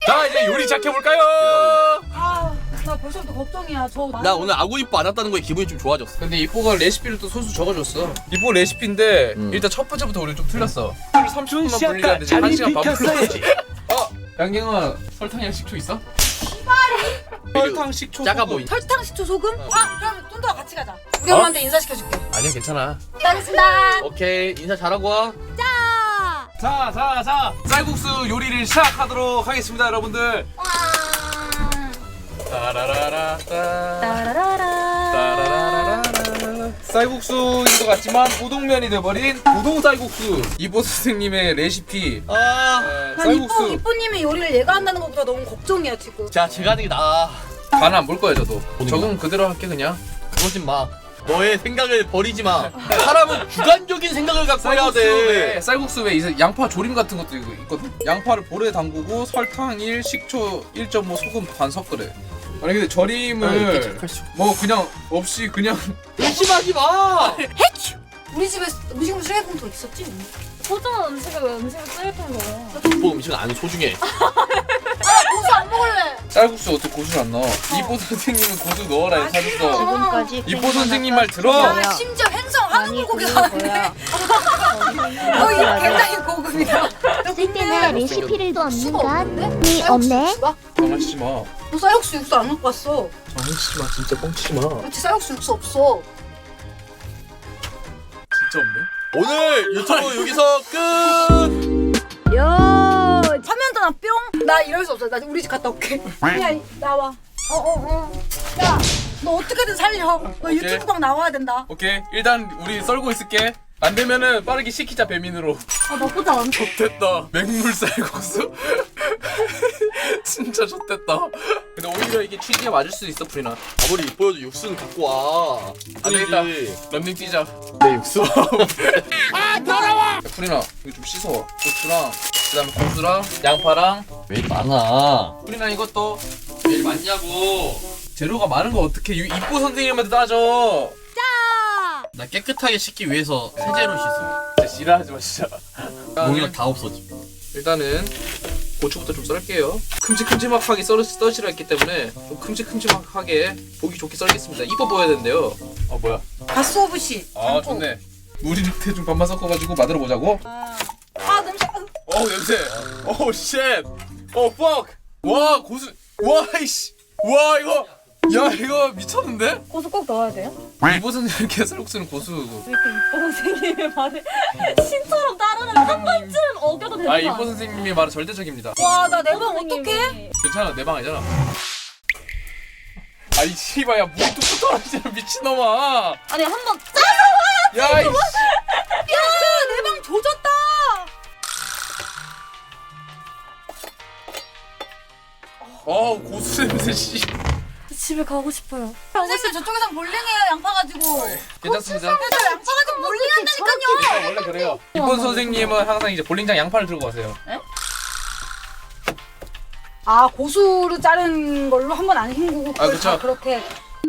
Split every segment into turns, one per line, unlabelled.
자 이제 요리 시작해볼까요?
나 벌써부터 걱정이야.
나 오늘 아구이뽀 안 왔다는 거에 기분이 좀 좋아졌어.
근데 이뽀가 레시피를 또 손수 적어줬어. 이뽀 레시피인데 일단 첫 번째부터 우리 좀 틀렸어. 30분만 불리는데 지금 1시간 반 불렀지. 양갱아 설탕이랑 식초 있어? 설탕, 식초,
작아
소금.
보인.
설탕, 식초, 소금? 그럼 뚠더와 같이 가자. 우리 엄마한테 인사시켜줄게.
아니야 괜찮아.
기다리겠습니다.
오케이 인사 잘하고 와.
자 쌀국수 요리를 시작하도록 하겠습니다 여러분들. 따라라라 따라라라 쌀국수인 것 같지만 우동면이 돼버린 우동 쌀국수. 이보 선생님의 레시피.
아.
난 이뽀님의 요리를 얘가 한다는 것보다 너무 걱정이야 지금.
자 제가 하는 게 나아.
간 안 볼 거야 저도.
보는
적응 그대로 할게 그냥.
그러지 마. 너의 생각을 버리지 마. 사람은 주관적인 생각을 갖고 해야 돼.
쌀국수에 이제 양파 조림 같은 것도 있거든. 양파를 볼에 담그고 설탕 1, 식초 1.5, 소금 반 섞으래. 아니 근데 절임을 뭐 그냥 없이 그냥
의심하지 마.
우리 집에 음식물 쓰레기통도 있었지?
소중한 음식을 왜 음식을 쓰레기통에 넣어?
뭐 음식은 안 소중해.
고수 안 먹을래.
쌀국수 어떻게 고수를 안 넣어? 이보 선생님은 고수 넣어라 해서 사줬어.
지금까지
이보 선생님 말 들어.
야 심지어 횡성 한우 불고기가 나왔네. 이거 굉장히 고급이다.
쓸데나 레시피를도 없는
수가
건
없는데?
이 없네.
장난치지 마.
너 쌀국수 육수 안 갖고 왔어.
장난치지 마. 진짜 뻥치지 마.
그렇지 쌀국수 육수 없어.
진짜 없네.
오늘 유튜브 여기서 끝.
야 화면 전화 뿅. 나 이럴 수 없어. 나 우리 집 갔다 올게. 그냥 나와. 야 너 어떻게든 살려. 너 유튜브 방 나와야 된다.
오케이 일단 우리 썰고 있을게. 안 되면은 빠르게 시키자 배민으로.
나쁘지 않아.
좋됐다. 맹물 쌀국수. 진짜 좋됐다. 근데 오히려 이게 취지에 맞을 수 있어 프리나.
아무리 이뻐도 육수는 갖고 와.
안 되겠다. 런닝 뛰자.
내 육수.
야, 프리나 이거 좀 씻어. 고추랑 그다음에 고수랑 양파랑.
왜 많아?
프리나 이것도
왜 많냐고.
재료가 많은 거 어떻게 이뽀 선생님한테 따져.
나 깨끗하게 씻기 위해서 세제로 씻어.
진짜 지랄하지 마 진짜.
용이랑 다 없어지.
일단은 고추부터 좀 썰게요. 큼직큼직하게 써시라 했기 때문에 좀 큼직큼직하게 보기 좋게 썰겠습니다. 이뻐 보여야 된대요. 뭐야?
가스오브시.
아 좋네. 물이랑 대충 반만 섞어가지고 만들어 보자고.
아 냄새.
냄새. 쉣. fuck. 와 고수. 와 이씨. 와 이거. 야 이거 미쳤는데?
고수 꼭 넣어야 돼요?
이보 선생님 개쌀국수는 고수.
왜 이렇게 이뻐 선생님의 말을 신처럼 따르는 한 번쯤 어겨도 되는 거
이보 선생님의 말은 절대적입니다.
와 나 내 방 어떡해?
괜찮아 내 방 아니잖아. 아이 씨발야 물이 뚝뚝 떨어지잖아 미친놈아.
아니 한 번 짜서
야 이씨.
내 방 조졌다.
고수 냄새 씨.
집에 가고 싶어요.
선생님 저쪽에선 볼링해요 양파 가지고.
괜찮습니다.
그래서 양파 가지고 볼링 한다니까요.
원래 그래요. 이번 선생님은 항상 이제 볼링장 양파를 들고 가세요.
아 고수를 자른 걸로 한 번 안 헹구고 그걸
그쵸.
다 그렇게.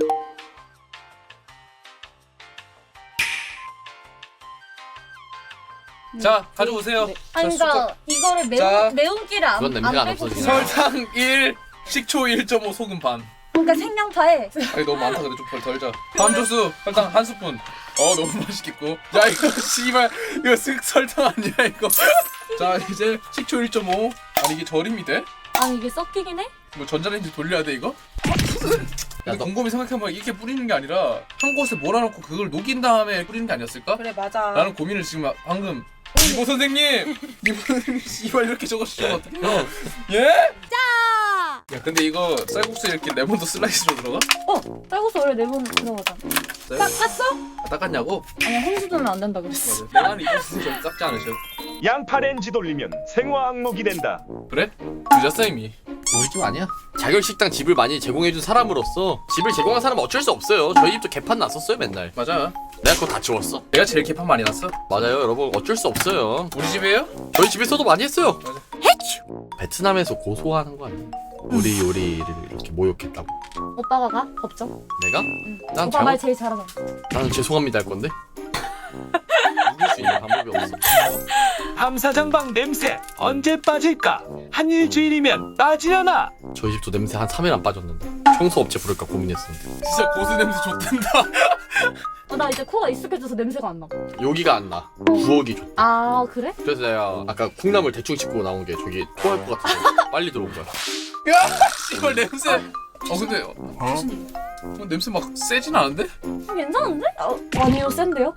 자 가져오세요.
아니 그러니까 이거를
자.
매운기를
그건 냄새가 안 없어지네.
설탕 1, 식초 1.5, 소금 반.
그러니까 생양파에
아니 너무 많다 근데 좀 덜 자. 다음 조수 설탕 한 스푼. 너무 맛있겠고. 야 이거 씨발 이거 설탕 아니야 이거. 자 이제 식초 1.5. 아니 이게 절임이 돼?
아니 이게 섞이긴 해?
뭐 전자레인지 돌려야 돼 이거?
야,
근데
너-
곰곰이 생각해보면 이렇게 뿌리는 게 아니라 한 곳에 몰아놓고 그걸 녹인 다음에 뿌리는 게 아니었을까?
그래 맞아.
라는 고민을 지금 방금 이보 선생님! 이보 선생님 씨발 이렇게 적어주시면 어떡해요? 예? 야 근데 이거 쌀국수 이렇게 레몬도 슬라이스로 들어가?
쌀국수 원래 레몬 들어가잖아.
닦았어? 닦았냐고?
아니 홍수주는 안 된다 그랬어.
맞아 내가 이보 선생님 좀 닦지 않으셔.
양파 렌즈 돌리면 생화 항목이 된다.
그래? 늦었어 이미.
우리 집 아니야. 자결식당 집을 많이 제공해준 사람으로서 집을 제공한 사람은 어쩔 수 없어요. 저희 집도 개판 났었어요 맨날.
맞아.
내가 그거 다 치웠어.
내가 제일 개판 많이 났어.
맞아요 여러분 어쩔 수 없어요.
우리 집이에요?
저희 집에서도 많이 했어요.
맞아.
베트남에서 고소하는 거 아니야? 우리 요리를 이렇게 모욕했다고.
오빠가 가? 법정?
내가? 난
오빠 말
잘못,
제일 잘하잖아.
나는 죄송합니다 할 건데.
누굴 수
수 있는 방법이 없어.
감사장방 냄새 언제 빠질까? 한 일주일이면 빠지려나?
저희 집도 냄새 한 3일 안 빠졌는데 청소 업체 부를까 고민했었는데
진짜 고수 냄새 좋댄다.
나 이제 코가 익숙해져서 냄새가 안 나.
여기가 안 나. 부엌이 좋다.
아 그래?
그래서 내가 아까 콩나물 대충 씻고 나온 게 저기 토할 것 같아서 빨리 들어온 거야.
야 씨발 냄새. 근데 냄새 막 세진 않은데?
괜찮은데? 아니요 센데요?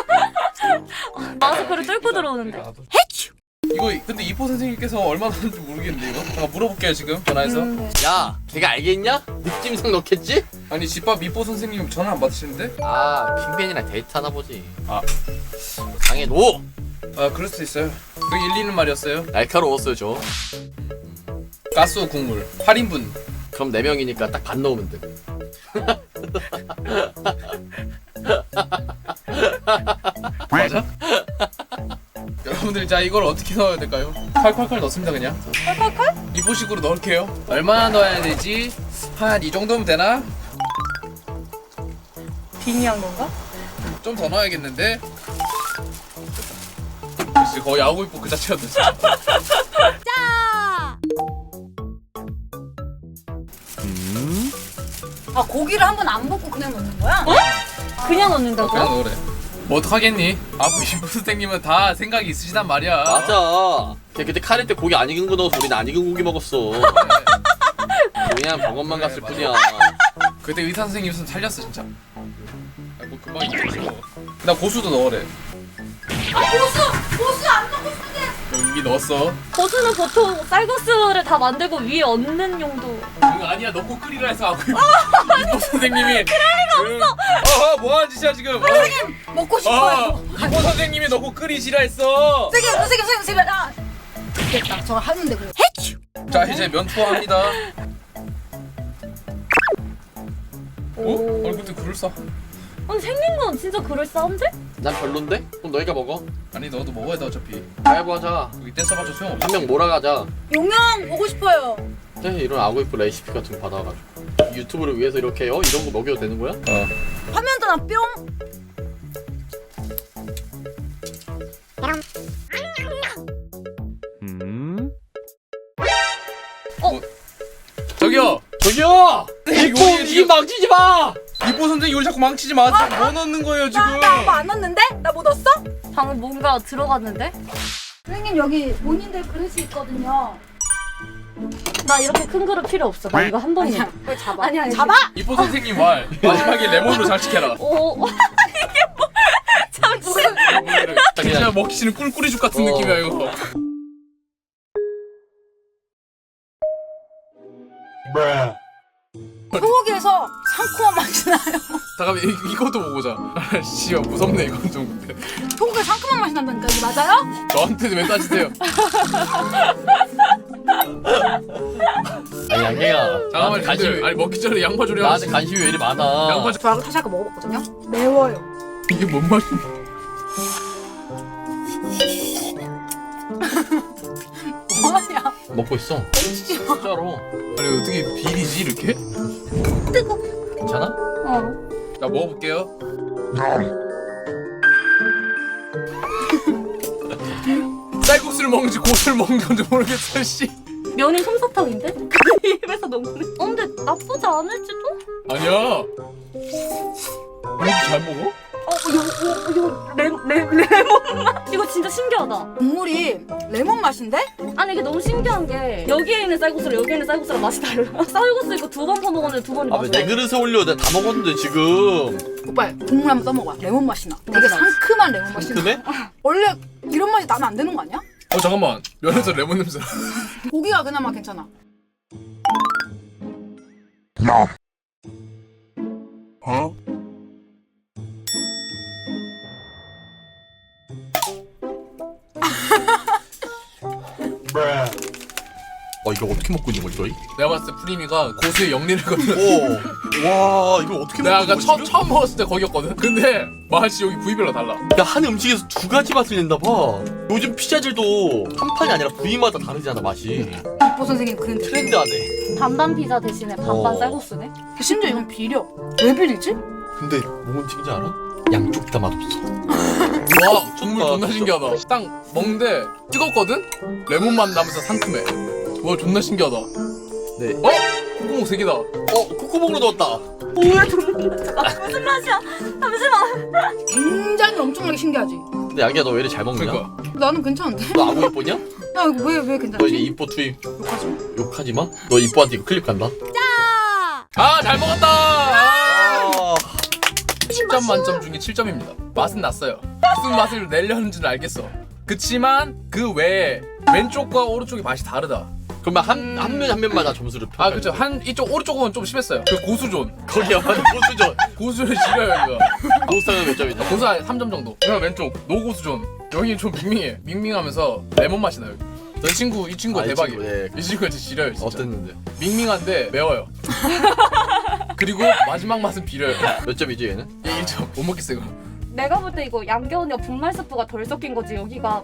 마스크를 뚫고 들어오는데.
이거 근데 이포 선생님께서 얼마나 하는지 모르겠는데 이거? 잠깐 물어볼게요 지금 전화해서.
야, 걔가 알겠냐? 느낌상 넣겠지?
아니 집밥 이포 선생님 전화 안 받으시는데?
아, 핑맨이랑 데이트하나 보지.
아.
당해놓!
아 그럴 수도 있어요. 그 일리는 말이었어요.
날카로웠어요 저.
가스 국물 8인분.
그럼 4명이니까 딱 반 넣으면 돼.
맞아? 여러분들 자 이걸 어떻게 넣어야 될까요? 칼칼칼 넣습니다 그냥.
칼칼칼?
이보식으로 넣을게요. 얼마나 넣어야 되지? 한 이 정도면 되나?
빙의한 건가?
좀 더 넣어야겠는데? 역시 거의 야구이뽀 그 자체였네 진짜.
아 고기를 한 번 안 볶고 그냥 넣는 거야?
그냥 넣는다고?
그냥 넣으래. 뭐 어떡하겠니? 이보 선생님은 다 생각이 있으시단 말이야.
맞아. 걔 그때 카레 때 고기 안 익은 거 넣어서 우린 안 익은 고기 먹었어. 그냥 병원만 갔을
맞아.
뿐이야.
그때 의사 선생님 있으면 살렸어 진짜. 뭐 금방 익겠지 뭐. 나 고수도 넣으래.
고수 안 넣고 싶은데.
이미 넣었어.
고수는 보통 쌀국수를 다 만들고 위에 얹는 용도.
아니야 넣고 끓이라 해서 하고 이보 선생님이 그럴 리가 없어. 뭐하는 짓이야 지금.
선생님 먹고 싶어요.
이보 선생님이 넣고 끓이시라 했어.
선생님 아 됐다. 저 하는데 그래.
자 이제 면 투하합니다. 근데 그럴싸.
아니 생긴 건 진짜 그럴싸한데?
난 별론데? 그럼 너희가 먹어.
아니 너도 먹어야 돼 어차피.
가위바위보 하자.
여기 떼써봐줘 소용없어.
한 명 몰아가자.
용영 보고 싶어요.
네, 이런 아구이프 레시피 같은 거 받아가지고 유튜브를 위해서 이렇게 이런 거 먹여도 되는 거야?
화면 전화 뿅.
저기요.
이뻐! 이 망치지 마!
이보 선생님 요리 자꾸 망치지 마. 뭐 넣는 거예요 지금?
나 뭐 안 넣었는데? 나 뭐 넣었어?
방금 뭔가 들어갔는데?
선생님 여기 본인들 그릇이 있거든요.
나 이렇게 큰 그릇 필요 없어. 나 이거 한 번이야.
빨리 잡아.
아니.
잡아?
이보 선생님 말 마지막에 레몬으로 잘 시켜라.
오. 이게 뭐? 잠시만.
진짜 먹기 싫은 꿀꿀이죽 같은 느낌이야 이거.
소고기에서 상큼한 맛이 나요.
잠깐만 이것도 먹어보자. 씨야 무섭네 이건 좀.
소고기에 상큼한 맛이 난다니까 이게 맞아요?
저한테 왜 따지세요?
아니 양갱아
잠깐만
관심
아니 먹기 전에 양파 조리
나한테
하지.
관심이 왜 이리 많아.
양파
저 아까 다시 아까 먹어봤거든요. 매워요.
이게 뭔 맛이야?
뭐하냐?
먹고 있어. 진짜로.
아니 어떻게 비리지 이렇게?
괜찮아?
자 먹어볼게요. 쌀국수를 먹는지 고수를 먹는 건지 모르겠어 씨.
면이 솜사탕인데? 입에서 녹네. 근데 나쁘지 않을지도?
아니야. 이렇게 잘 먹어?
이거 레몬 맛? 이거 진짜 신기하다.
국물이 레몬 맛인데?
아니 이게 너무 신기한 게 여기에 있는 쌀국수랑 여기에 있는 쌀국수랑 맛이 달라. 쌀국수 이거 2번 퍼먹었는데 2번이
아 왜 내
맛이
그릇에 올려? 내가 다 먹었는데 지금.
오빠 국물 한번 떠먹어봐. 레몬 맛이 나. 되게 상큼한 레몬 맛이 나.
상큼해?
원래 이런 맛이 나면 안 되는 거 아니야?
잠깐만 면에서 레몬 냄새 나.
고기가 그나마 괜찮아.
이거 어떻게 먹고 있는 거지 너희?
내가 봤을 때 프리미가 고수의 영리를 거든.
와 이걸 어떻게
내가
먹는
아까
거지?
처음 먹었을 때 거기였거든. 근데 맛이 여기 부위별로 달라.
야, 한 음식에서 2가지 맛을 낸다 봐. 요즘 피자들도 한 판이 아니라 부위마다 다르잖아 맛이.
이보 선생님 그런
트렌드하네.
반반 피자 대신에 반반
어.
쌀국수네?
심지어 이건 비려. 왜 비리지?
근데 뭔 음식인지 알아? 양쪽 다 맛없어.
와 국물 존나 신기하다. 딱 먹는데 뜨겁거든? 레몬 맛 나면서 상큼해. 와 존나 신기하다.
네.
콧구멍 3개다.
콧구멍으로 넣었다.
뭐야 무슨 맛이야? 잠시만.
굉장히 엄청나게 신기하지.
근데 양이야 너 왜 이렇게 잘 먹냐?
그러니까
나는 괜찮은데?
너 아구 이뻐냐?
야 이거 왜
너 이제
괜찮지?
이뻐 투입. 욕하지 마. 너 이뻐한테 이거 클립 간다.
아 잘 먹었다.
아.
10점 만점 중에 7점입니다. 맛은 났어요. 무슨 맛을 내려는지는 알겠어. 그치만 그 외에 왼쪽과 오른쪽이 맛이 다르다.
그러면 한 면마다 점수를
아
평가해.
그쵸. 한 이쪽 오른쪽은 좀 심했어요. 그 고수존.
거기야 완전 고수전.
고수를 지려요 이거.
고수는 몇 점이냐?
고수 한 3점 정도. 그럼 왼쪽 노고수존. 여기 좀 밍밍해. 밍밍하면서 레몬 맛이 나요. 이 친구
이
대박이에요.
친구, 예.
이 친구가 진짜 지려요 진짜.
어땠는데?
밍밍한데 매워요. 그리고 마지막 맛은 비려요.
몇 점이지 얘는?
얘 1점 못 먹겠어 이거.
내가 볼 때 이거 양겨우니까 분말 스프가 덜 섞인 거지 여기가.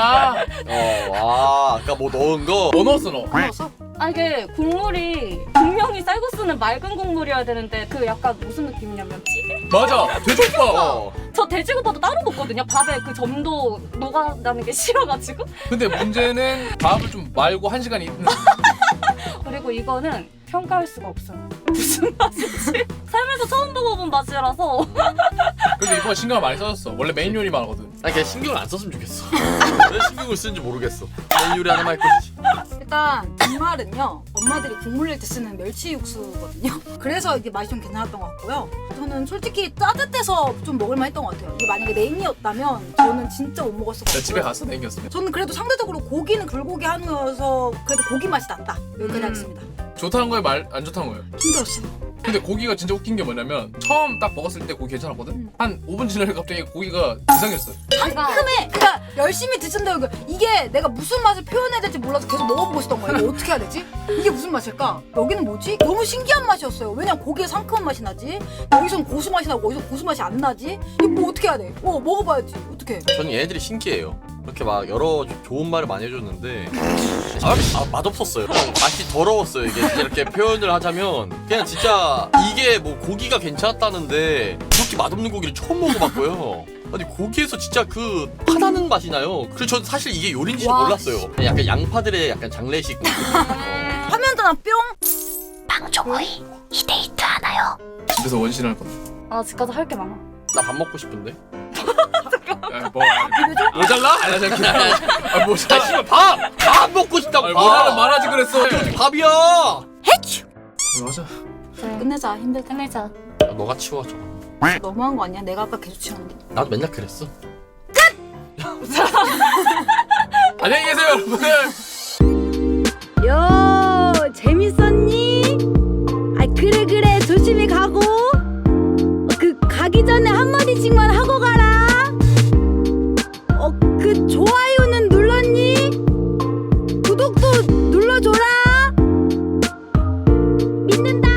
아까 뭐 넣은 거.
뭐 넣었어 너?
먹었어?
아 이게 국물이 분명히 쌀국수는 맑은 국물이어야 되는데 그 약간 무슨 느낌이냐면 찌개?
맞아. 돼지국밥.
저 돼지국밥도 따로 먹거든요. 밥에 그 점도 녹아나는 게 싫어가지고.
근데 문제는 밥을 좀 말고 1시간 있는.
그리고 이거는 평가할 수가 없어요. 무슨 맛인지 살면서 처음 먹어본 맛이라서.
그래도 이번에 신경을 많이 써줬어. 원래 메인 요리만 하거든.
아니 그냥 신경을 안 썼으면 좋겠어. 왜 신경을 쓰는지 모르겠어. 내 요리 하나만 할 것이지.
일단 분말은요 엄마들이 국물 낼 때 쓰는 멸치 육수거든요. 그래서 이게 맛이 좀 괜찮았던 것 같고요. 저는 솔직히 따뜻해서 좀 먹을만 했던 것 같아요. 이게 만약에 냉이었다면 저는 진짜 못 먹었을 것
나
같고요.
집에 갔어 냉겼으면.
저는 그래도 상대적으로 고기는 불고기 한우여서 그래도 고기 맛이 났다. 여기까지 하겠습니다.
좋다는 거예요 말 안 좋다는 거예요?
힘들었어.
근데 고기가 진짜 웃긴 게 뭐냐면 처음 딱 먹었을 때 고기 괜찮았거든? 한 5분 지나니까 갑자기 고기가 이상했어.
상큼해. 그러니까 열심히 드신다고 이게 내가 무슨 맛을 표현해야 될지 몰라서 계속 먹어보고 싶던 거예요. 이거 어떻게 해야 되지? 이게 무슨 맛일까? 여기는 뭐지? 너무 신기한 맛이었어요. 왜냐면 고기에 상큼한 맛이 나지. 여기선 고수 맛이 나고 여기서 고수 맛이 안 나지. 이거 뭐 어떻게 해야 돼? 먹어봐야지. 어떻게?
저는 얘네들이 신기해요. 그렇게 막 여러 좋은 말을 많이 해줬는데 맛없었어요. 맛이 더러웠어요. 이게 진짜 이렇게 표현을 하자면 그냥 진짜 이게 뭐 고기가 괜찮았다는데 그렇게 맛없는 고기를 처음 먹어봤고요. 아니 고기에서 진짜 그 파다는 맛이 나요. 그래서 저는 사실 이게 요리인지도
와.
몰랐어요. 그냥 약간 양파들의 약간 장례식.
화면 전화 뿅.
방종호이 이 데이트 하나요?
집에서 원신할 거다.
아 집 가서 할 게 많아.
나 밥 먹고 싶은데.
야, 뭐 모자라? 아니 잠깐. 아
아
모자라.
씨발 밥 먹고 싶다고.
아니 모자라 말하지 그랬어.
밥이야.
맞아.
끝내자. 힘들 때.
끝내자.
야, 너가 치워 저거.
너무한 거 아니야? 내가 아까 계속 치웠는데.
나도 맨날 그랬어.
안녕히 계세요 여러분들.
요 재밌었니? 아 그래 조심히 가고 그 가기 전에 한마디씩만 하고 가라. 그 좋아요는 눌렀니? 구독도 눌러줘라. 믿는다.